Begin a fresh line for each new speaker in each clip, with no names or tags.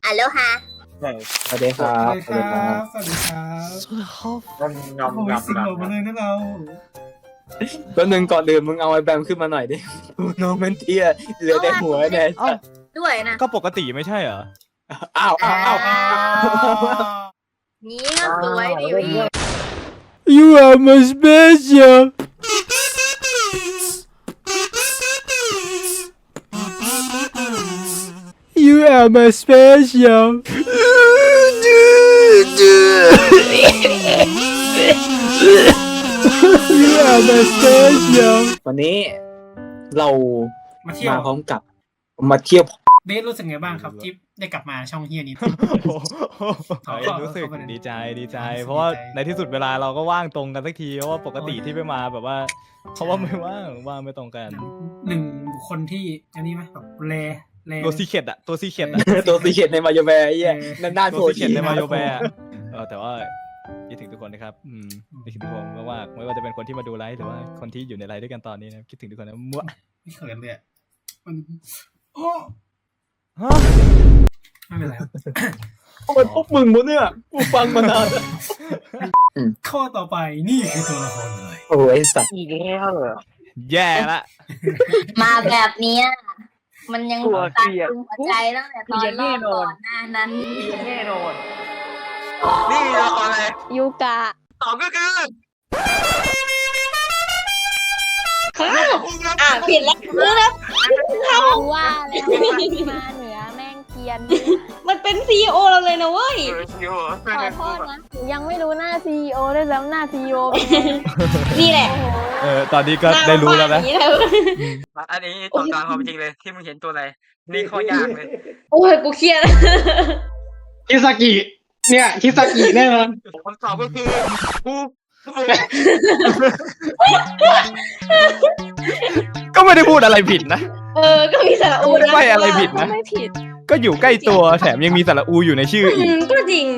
อัลโลฮา
สวัสดีครับสวัสดีครับ
สวัสดีครับ
งอม
โอ้ยสิงโตมาเลยนะเรา
ก็หนึ่งก่อนอื่นมึงเอาไอ้แบมขึ้นมาหน่อยดิน้องมันเตี้ยเหลือแต่หัวเนี่ย
เอ้า
ด้วยนะ
ก็ปกติไม่ใช่เหรอ
อ้าวอ้าวอ้าว
นี่ก็สวยดิวิ
You are my special You are my special You are my special
วันนี้เรา
มาเที่ยว
มาพร้อมกับมาเที่ยว
เบสรู้สึกไงบ้างครับที่ได้กลับมาช่องเฮียนี้
รู้สึกดีใจดีใจ เพราะว่าในที่สุดเวลาเราก็ว่างตรงกันสักทีเพราะว่าปกติที่ไม่มาแบบว่าเพราะว่าไม่ว่างไม่ตรงกัน
หนึ่งบุคคลที่อันนี้ไหมแบบแล
ตัวซีเค็ดอะตัวซีเค็ดอะ
ตัวสีเขียนในมาโยแบร์ไอ้เหี้ยนานๆ
ตั
โผ
ว
ล่
ซีเค็ดในมาโยแบร์แต่ว่าคิดถึงทุกคนนะครับคิดถึงทุกคนมากๆไม่ว่าจะเป็นคนที่มาดูไลฟ์หรือว่าคนที่อยู่ในไลฟ์ด้วยกันตอนนี้นะคิดถึงทุกคนนะมั่ว
ไม่เขินเลยอะมันโอ้
ฮะ
ไม่เป็นไรครับ
มันพวกมึงมั้งเนี่ยกูฟังมานาน
ข้อต่อไปนี่คือตัวละครเลย
โอ้ยสัตว์
อีกแล้วเหรอ
แย่ละ
มาแบบเนี้ยมันยัง
กลัว
ตา
เกลียด
ตึงหัวใจตั้งแต่ตอนรอบก่อนหน้านั้น
แน่นอนนี่ละครอะไร
ยูกะ
ตอบก็คือ
ผิดแล้วว่าแล้วมาเหนือแม่งเกียน
มันเป็นซีอเราเลยนะเว้ย
ขอโทษนะหนูยังไม่รู้หน้าซีอด้วยแล้วหน้าซีอเป็นไง
นี่แหละ
ตอนนี้ก็ได้รู้แล้วนะ
หน้าบ้าอย่างนี้เลย
อันนี้ตรงกลางความจริงเลยที่มึงเห็นตัวอะไรนี่ข้อยากเลย
โอ้ยกูเครียด
คิซากิเนี่ยคิซากิแน่นอน
คำตอบก็คือกู
ก็ไม่ได้พูดอะไรผิดนะ
ก็มีสระอู
ไม่ได้ใบ้อะไรผิดนะ
ไม่ผิด
ก็อยู่ใกล้ตัวแถมยังมีสระอูอยู่ในชื่ออีก
ก็จริง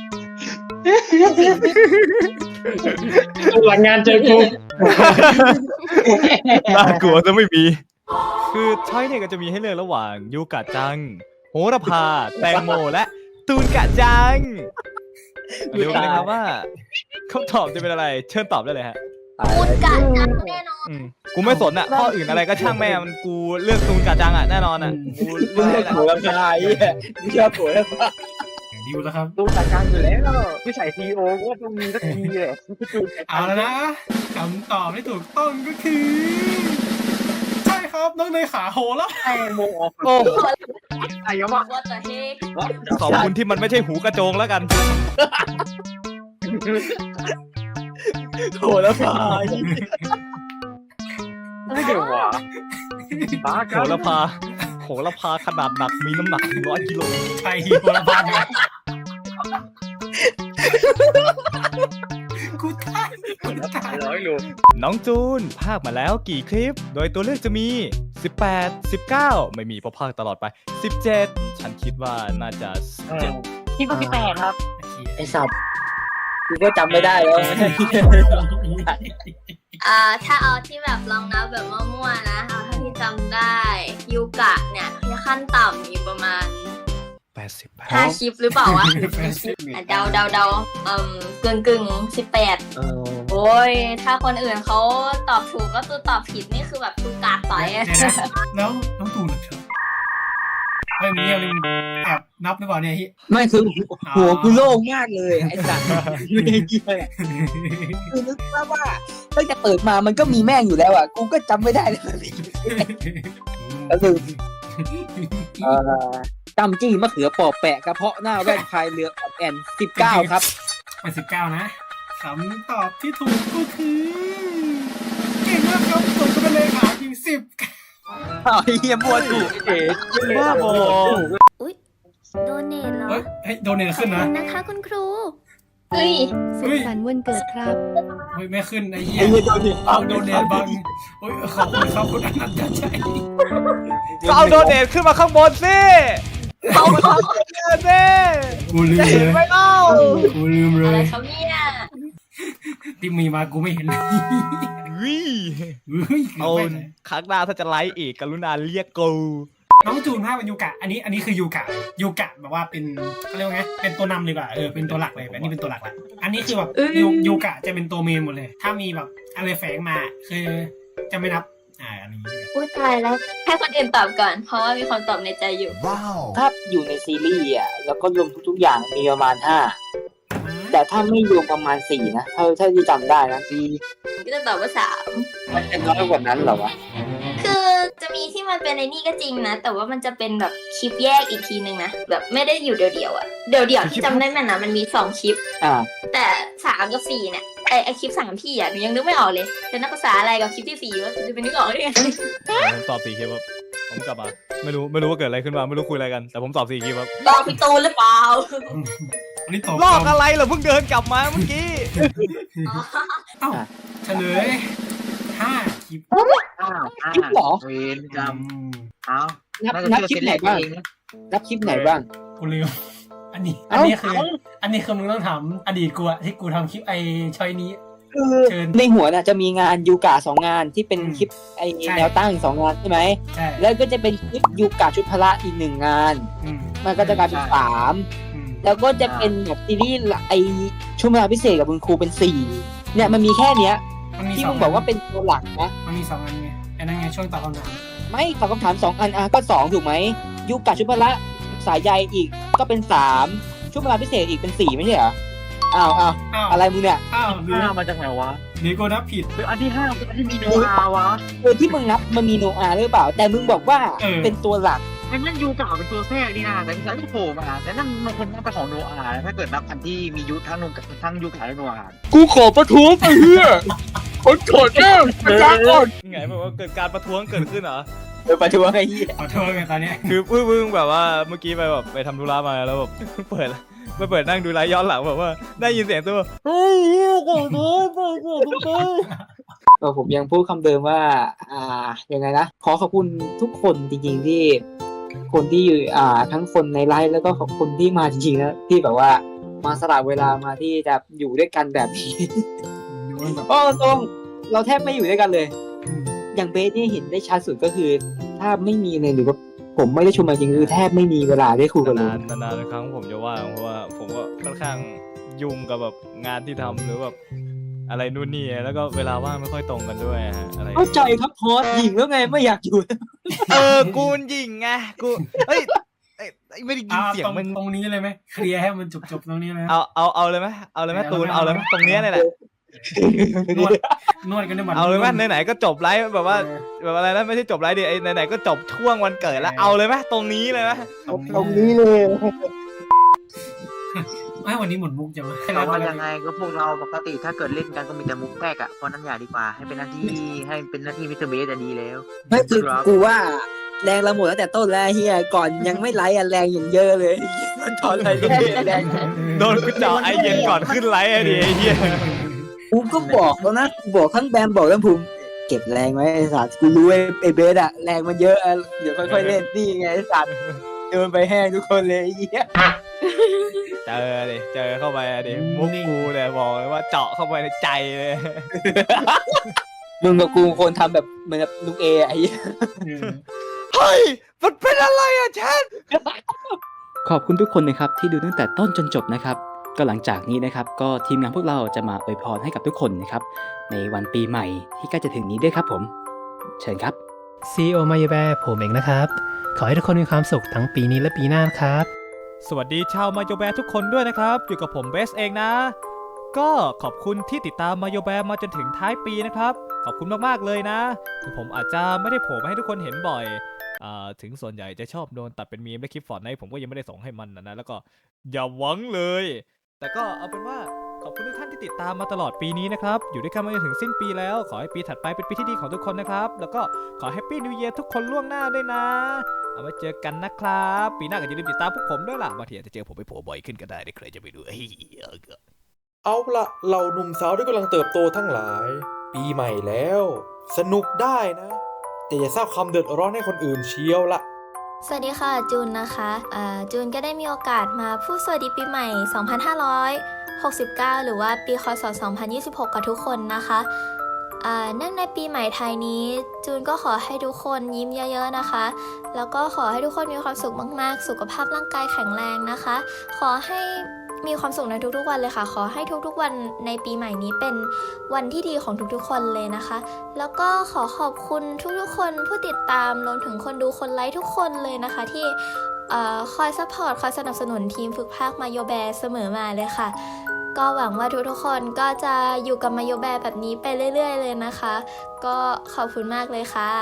หลังงานเจอกู
น่ากลัวจะไม่มี คือช้อยเนี่ยก็จะมีให้เลือกระหว่างยูกะจัง โหระพา แตงโมและตูนกะจังเดี๋ยวกันนะครับว่าคำตอบจะเป็นอะไร เชิญตอบได้เลยฮะ
พูดกะจังแน่นอน
กูไม่สนอ่ะข้ออื่นอะไรก็ช่างแม่มันกูเลือกตูนกะจังอ่ะแน่นอนอ่ะกู
มึง
เลื
เลื
อ
อก ก
แหละ
หัวลำพายไอ้เหี้ยมึงเลือกหัวลำพาย
ดิวแล้วครับ
ดูจัดการอยู่แล้วผู้ชายซีโอก็ต้องมีสักทีเลย
เอาแล้วนะคำตอบที่ถูกต้องก็คือ ใช่ครับน้องเนยขาโหแล้ว
ไอ้โมออก
โอ้
ไอ้ยมะ
ว่าแต่เฮก
ขอบคุณที่มันไม่ใช่หูกระโจงแล้วกัน
หัวลำพาย
ไม่เกี่ยวหวะบ้า
โหระพาโหระพาขนาดหนักมีน้ำหนัก100 กิโล
ไทยโหระพาเนี่ยกูตายกูตาย
100 โล
น้องจูนภาคมาแล้วกี่คลิป โดยตัวเลือกจะมี 18 19 ไม่มีเพราะภาคตลอดไป 17 ฉันคิดว่าน่าจะ17
ที่ก็18ครับ
ไอ้สัตว์กูก็จำไม่ได้แล้ว
ถ้าเอาที่แบบลองนับแบบมั่วๆนะเอาเท่าที่จำได้ยูกะเนี่ยขั้นต่ำมีประมาณ
80
5 คลิปหรือเปล่าวะเดากึ่ง18โอ้ยถ้าคนอื่นเขาตอบถูกก็ตัวตอบผิดนี่คือแบบตูกาต่อยอะ
แล้วน้องตูนเหรอครับไม่มีอะไรแอบนับหรือเปล่าเนี่ยฮิ
ไม่คือหัวกูโล่งมากเลยไอ้สัตว์ไม่ได้เกี่ยวคือนึกว่าตั้งแต่เปิดมามันก็มีแม่งอยู่แล้วอ่ะกูก็จำไม่ได้เลยก็คือจำจี้มะเขือปอบแปะกระเพาะหน้าแว่นพายเรือออดแอน19ครับ
เป็น19นะคำตอบที่ถูกก็คือเก่งมากครับผมก็เป็นเลขาจริง10
อ้าวไอ้เหี้ยมัวถูกเอ๋
บ้าบอ
โดเนทเหรอ
เฮ้ยโดนเนี่ยขึ้นนะ
นะคะคุณครูเฮ้ย
เฮ้ย
สันวันเกิดครับ
เฮ้ยไม่ขึ้นไอ้เหี้ย
ไอ้เหี้ยโดนดิ
เอาโดนเนี่ยบังโอ้ยขอบคุณครับคุณอนันต์ชัย
ก็เอาโดเนทขึ้นมาข้างบนสิเอามาข้างบนสิ
กูลืม
จะ
เล
เห็น
ย
ไหมเล่า
กูลืมเล
อะไร
ย
เขาเนี่ย
ที่มีมากูไม่เห็นเลย
วิ
เฮ้ย
เอาครั้งหน้าถ้าจะไลฟ์อีกกรุณาเรียกกู
น้องจูนภาคเป็นยูกะอันนี้คือยูกะแบบว่าเป็นเขาเรียกว่าไงเป็นตัวนำเลยกว่าเป็นตัวหลักเลยอันนี้เป็นตัวหลักละอันนี้คือแบบยูกะจะเป็นตัวเมนหมดเลย ถ้ามีแบบอะไรแฝงมาคือจะไม่นับอันนี้
อุ้ยตายแล้วให้คนอื่นตอบก่อน เพราะว่ามีคนตอบในใจอยู่
ถ้าอยู่ในซีรีส์อ่ะแล้วก็รวมทุกๆอย่างมีประมาณ5แต่ถ้าไม่รวมประมาณ4นะเท่าที่จำได้นะ
ก็จะตอบว่า3
มันจะน้อยกว่านั้นเหรอวะ
คือจะมีที่มันเป็นในนี่ก็จริงนะ แต่ว่ามันจะเป็นแบบคลิปแยกอีกทีนึงนะแบบไม่ได้อยู่เดี่ยวๆอ่ะเดี่ยวๆที่จำได้แม่นนะมันมี2คลิปแต่3กับ4เนี่ยไอคลิป3พี่อ่ะหนูยังนึกไม่ออกเลยเป็นนักภาษาอะไรกับคลิปที่4ว่าจะเป็นนึกออกได้ไง
ผมตอบ4คลิปครับผมกลับมาไม่รู้ว่าเกิดอะไรขึ้นมาไม่รู้คุยอะไรกันแต่ผมตอบ4คลิปครับ
ลอกพี่ตูนหรือเปล่า
ลอกอะไรเหรอเพิ่งเดินกลับมาเมื่อกี้
เอ้าเฉลย5คลิป
คลิปเหรอ
เวนจำเอา
นับคลิปไหนบ้างนับคลิปไหนบ้าง
กูลืมอันนี้คือมึงต้องถามอดีตกูอะที่กูทำคลิปไอชอยนี้
คือในหัวน่ะจะมีงานยูกะ2งานที่เป็นคลิปไอแนวตั้ง2งานใช่ไหมแล้วก็จะเป็นคลิปยูกะชุดพละอีก1งานมันก็จะกลายเป็น3แล้วก็จะเป็นแบบซีรีส์ไอช่วงเวลาพิเศษกับคุณครูเป็น4เนี่ยมันมีแค่เนี้ยที่มึงบอกว่าเป็นตัวหลักนะ
มันมี2อันไงไอ้นั่นไงช่วงตอบคำถาม
ไม่ตอบคำถาม2อันก็2ถูกไหมยูกะชุดพละสายใยอีกก็เป็น3ช่วงเวลาพิเศษอีกเป็น4ไม่ใช่เหรออ้าวอะไรมึงเนี่ย
5มาจากไหนวะ
นี่กูนับผิด
อันที่5เป็นอันที่มีโนอาวะ
ที่มึงนับมันมีโนอาหรือเปล่าแต่มึงบอกว่าเป็นตัวหลัก
นั่นยูกะเป็นตัวแทรกนี่นะแต่ที่ฉันก็โผล่มาแต่นั่นมันคนนับเป็นของโนอาถ้าเกิดนับอันที่มียุทั้งยูกะและโนอา
กูขอประท้วงไปเฮียคนโกรธแน่ประท้วง
ไงแบบว่าเกิดการประท้วงเกิดขึ้นเหรอ
ประท้วงไอ้เหี้ย
ประท้วงไงตอนนี้
คือพึ่งแบบว่าเมื่อกี้ไปทำธุระมาแล้วแบบเปิดนั่งดูไลฟ์ย้อนหลังแบบว่าได้ยินเสียงตัวเฮ้ยโกรธ
ผมยังพูดคำเดิมว่ายังไงนะขอบคุณทุกคนจริงๆที่คนที่ทั้งคนในไลฟ์แล้วก็ขอบคุณที่มาจริงๆนะที่แบบว่ามาสละเวลามาที่จะอยู่ด้วยกันแบบนี้ตรงเราแทบไม่อยู่ด้วยกันเลยอย่างเบสนี่เห็นได้ชัดสุดก็คือถ้าไม่มีเลยหรือว่าผมไม่ได้ชมจริงคือแทบไม่มีเวลาได้คุยกันเลย
นานๆครั้งผมจะว่างเพราะว่าผมก็ค่อนข้างยุ่งกับแบบงานที่ทำหรือแบบอะไรนู่นนี่แล้วก็เวลาว่างไม่ค่อยตรงกันด้วยฮะอะไร
เข้าใจครับพอหญิงแล้วไงไม่อยากอยู่
กูหญิงไงกูเฮ้ยไม่ได้ยินเสียงมัน
ตรงนี้เลยไหมเคลียร์ให้มันจบตรงนี้เลย
เอาเลยไหมตูนเอาเลยไหมตรงนี้เลยแหละ
นวดกันได้หมด
เอาเลยไหมไหนๆก็จบไลฟ์แบบว่าแบบอะไรนะไม่ใช่จบไลฟ์ดิไอ้ไหนๆก็จบช่วงวันเกิดแล้วเอาเลยไหมตรงนี้เลยไหม
ตรงนี้เลย
ไม่วันนี้หมดมุกจัง
เราว่ายังไงก็พวกเราปกติถ้าเกิดเล่นกันก็มีแต่มุกแตกเพราะนั้นอย่าดีกว่าให้เป็นหน้าที่มิสเตอร์เบสจะดีแล้ว
ไม่คือกูว่าแรงเราหมดตั้งแต่ต้นแล้วเฮียก่อนยังไม่ไลฟ์แรงอย่างเยอะเลยมันถอนอะไรแรง
โดนกูเจาะไอเย็นก่อนขึ้นไลฟ์ไอ้ดิไอ้เฮีย
กูก็บอกแล้วนะบอกทั้งแบมบอกทั้งภูมิเก็บแรงไว้ไอ้สัตว์กูรู้ไอ้เบสแรงมันเยอะเดี๋ยวค่อยๆเล่นนี่ไงไอ้สัตว์เดินไปแห้งทุกคนเลยไอ้เหี้ย
เจอเข้าไปดิมุกกูเลยบอกเลยว่าเจาะเข้าไปในใจเลย
มึงกับกูคนทำแบบเหมือนกับลุงเอไอ้
เฮ้ยมันเป็นอะไรอ่ะแชท
ขอบคุณทุกคนนะครับที่ดูตั้งแต่ต้นจนจบนะครับก็หลังจากนี้นะครับก็ทีมงานพวกเราจะมาอวยพรให้กับทุกคนนะครับในวันปีใหม่ที่ใกล้จะถึงนี้ด้วยครับผมเชิญครับ
CEO มายูแบร์ผมเองนะครับขอให้ทุกคนมีความสุขทั้งปีนี้และปีหน้าครับ
สวัสดีชาวมายูแบร์ทุกคนด้วยนะครับอยู่กับผมเบสเองนะก็ขอบคุณที่ติดตามมายูแบร์มาจนถึงท้ายปีนะครับขอบคุณมากๆเลยนะถึงผมอาจจะไม่ได้โผล่มาให้ทุกคนเห็นบ่อยถึงส่วนใหญ่จะชอบโดนตัดเป็นมีมและคลิปฟอร์ตไนท์ผมก็ยังไม่ได้ส่งให้มันนะแล้วก็อย่าหวังเลยแต่ก็เอาเป็นว่าขอบคุณทุกท่านที่ติดตามมาตลอดปีนี้นะครับอยู่ด้วยกันมาจนถึงสิ้นปีแล้วขอให้ปีถัดไปเป็นปีที่ดีของทุกคนนะครับแล้วก็ขอแฮปปี้นิวเยียร์ทุกคนล่วงหน้าด้วยนะเอาไว้เจอกันนะครับปีหน้าก็อย่าลืมติดตามพวกผมด้วยล่ะบางทีอาจจะเจอผมไปโผล่บ่อยขึ้นก็ได้ใครจะไปดู
เอาละเหล่าหนุ่มสาวที่กำลังเติบโตทั้งหลายปีใหม่แล้วสนุกได้นะแต่อย่าสร้างความเดือดร้อนให้คนอื่นเชียวละ
สวัสดีค่ะจูนนะคะจูนก็ได้มีโอกาสมาพูดสวัสดีปีใหม่2569หรือว่าปีคศ2026กับทุกคนนะคะเนื่องในปีใหม่ไทยนี้จูนก็ขอให้ทุกคนยิ้มเยอะๆนะคะ แล้วก็ขอให้ทุกคนมีความสุขมากๆสุขภาพร่างกายแข็งแรงนะคะ ขอให้มีความสุขในทุกๆวันเลยค่ะขอให้ทุกๆวันในปีใหม่นี้เป็นวันที่ดีของทุกๆคนเลยนะคะ แล้วก็ขอขอบคุณทุกๆคนผู้ติดตามรวมถึงคนดูคนไลค์ทุกคนเลยนะคะที่คอยซัพพอร์ตคอยสนับสนุนทีมฝึกพากย์มาโยแบร์เสมอมาเลยค่ะก็หวังว่าทุกๆคนก็จะอยู่กับมาโยแบร์แบบนี้ไปเรื่อยๆเลยนะคะก็ขอบคุณมากเลยค่ะ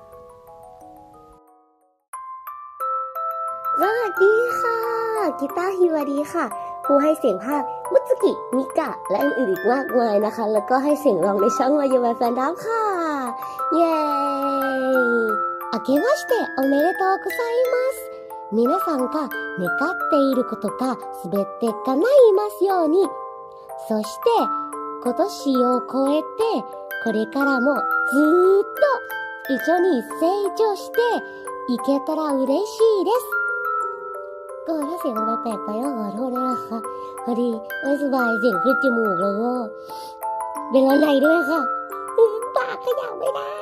สวัสดีค่ะกีตาร์ฮิวาดีค่ะผู้ให้เสียงภาคมุตสึกิมิกะและอื่นๆอีกมากมายนะคะแล้วก็ให้เสียงร้องในช่องมาโยบายแฟนดับค่ะเย้明けましておめでとうございます皆さんが願っていることが全て叶いますようにそして今年を超えてこれからもずーっと一緒に成長していけたら嬉しいですก็ถ้าเสียงมันแปลกไปก็ขอโทษด้วยนะคะพอดีไม่สบายเสียงขึ้นจมูกแล้วก็เป็นอะไรด้วยค่ะปากขยับไม่ได้